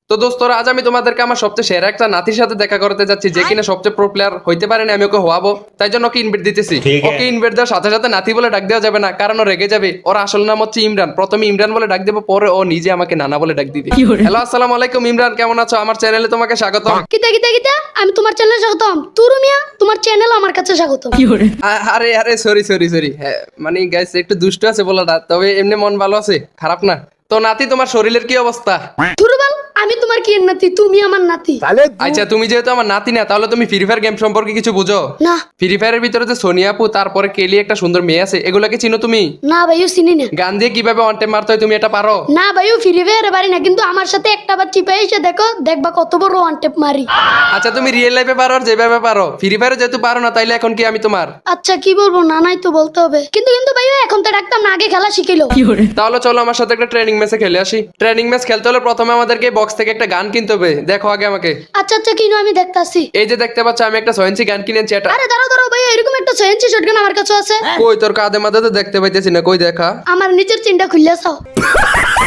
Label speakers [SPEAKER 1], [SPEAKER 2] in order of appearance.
[SPEAKER 1] তো দোস্তরা আজ আমি তোমাদেরকে আমার সবচেয়ে সেরা একটা নাতির সাথে দেখা করতে যাচ্ছি যে কিনা সবচেয়ে প্রো প্লেয়ার হইতে পারে না, আমি ওকে হওয়াবো, তাই জন্য ওকে ইনভাইট দিতেছি। ওকে ইনভাইট দেওয়ার সাথে সাথে নাতি বলে ডাক দেওয়া যাবে না, কারণ ও রেগে যাবে। ওর আসল নাম হচ্ছে ইমরান। প্রথমে ইমরান বলে ডাক দেবো, পরে ও নিজে আমাকে নানা বলে ডাক দিবে। হ্যালো, আসসালামু আলাইকুম ইমরান, কেমন আছো? আমার চ্যানেলে তোমাকে স্বাগতম।
[SPEAKER 2] কিতা কিতা কিতা আমি তোমার চ্যানেলে স্বাগতম। তুরু মিয়া তোমার চ্যানেল আমার কাছে স্বাগতম।
[SPEAKER 1] আরে আরে সরি, হ্যাঁ মানে গাইস একটু দুষ্ট আছে বলাটা, তবে এমনি মন ভালো আছে, খারাপ না। তো নাতি, তোমার শরীরের কি অবস্থা?
[SPEAKER 2] তুরুবাল আমি তোমার কি নাতি, তুমি আমার নাতি।
[SPEAKER 1] আচ্ছা, তুমি যেহেতু আমার নাতি না, তাহলে তুমি ফ্রি ফায়ার গেম সম্পর্কে কিছু বুঝো?
[SPEAKER 2] না
[SPEAKER 1] ফ্রি ফায়ারের ভিতরে যে সোনিয়া আপু, তারপরে কেলি একটা সুন্দর মেয়ে আছে, এগুলাকে চিনো তুমি?
[SPEAKER 2] না ভাইও চিনি না।
[SPEAKER 1] গান দিয়ে কিভাবে ওয়ান টাইম মারতে হয় তুমি এটা পারো?
[SPEAKER 2] না ভাইও ফিরে ফেরে পারি না, কিন্তু আমার সাথে একটা বার চিপে এসে দেখো, দেখবা কত বড় ওয়ান টেপ মারি।
[SPEAKER 1] আচ্ছা, তুমি রিয়েল লাইফে পারো আর যেভাবে পারো। ফ্রি ফায়ারে যেহেতু পারো না, তাইলে এখন কি আমি তোমার?
[SPEAKER 2] আচ্ছা কি বলবো, না নাই তো বলতে হবে। কিন্তু কিন্তু ভাইও এখন তো ডাকতাম না, আগে খেলা শিখিলো।
[SPEAKER 1] তাহলে চলো আমার সাথে একটা ট্রেনিং ম্যাচে খেলে আসি। ট্রেনিং ম্যাচ খেলতে হলে প্রথমে আমাদেরকে বক্স থেকে একটা গান কিনতে হবে। দেখো আগে আমাকে।
[SPEAKER 2] আচ্ছা আচ্ছা কিনো, আমি দেখতাছি।
[SPEAKER 1] এই যে দেখতে পাচ্ছ, আমি একটা 6 ইঞ্চি গান কিনেছি। এটা
[SPEAKER 2] আরে দাঁড়াও দাঁড়াও ভাইয়া, এরকম একটা সেন্সি শটগান আমার কাছে আছে।
[SPEAKER 1] কই তোর কাঁধে মাঝে তো দেখতে পাইতেছি না, কই দেখা।
[SPEAKER 2] আমার নিচের চিনটা খুললে চাও।